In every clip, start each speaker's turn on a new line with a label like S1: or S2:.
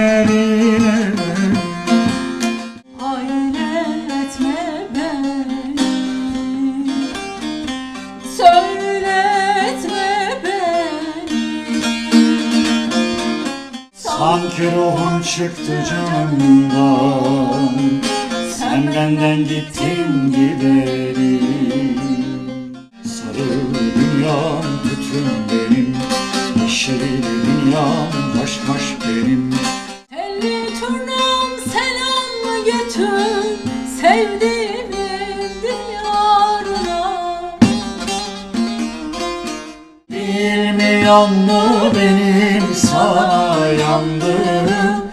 S1: günlerine.
S2: Hayretme beni, söyletme beni.
S1: Sanki ruhun çıktı canımdan, sen benden gittin gideri. Sarı dünyam bütün benim, yeşil dünyam haşhaş benim.
S2: Telli turnam selam götür sevdiğimin diyarına.
S1: Bilmiyor mu benim sana yandığım,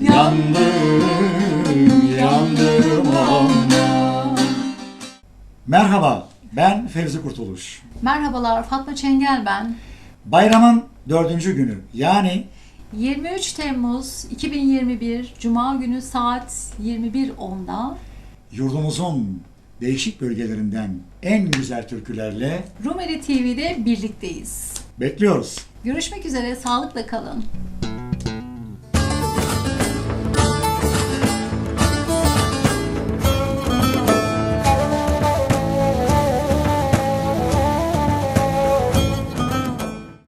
S1: yandım ona. Merhaba, ben Fevzi Kurtuluş.
S2: Merhabalar, Fatma Çengel ben.
S1: Bayramın 4. günü, yani
S2: 23 Temmuz 2021 Cuma günü saat 21.10'da
S1: yurdumuzun değişik bölgelerinden en güzel türkülerle
S2: Rumeli TV'de birlikteyiz.
S1: bekliyoruz.
S2: Görüşmek üzere, sağlıkla kalın.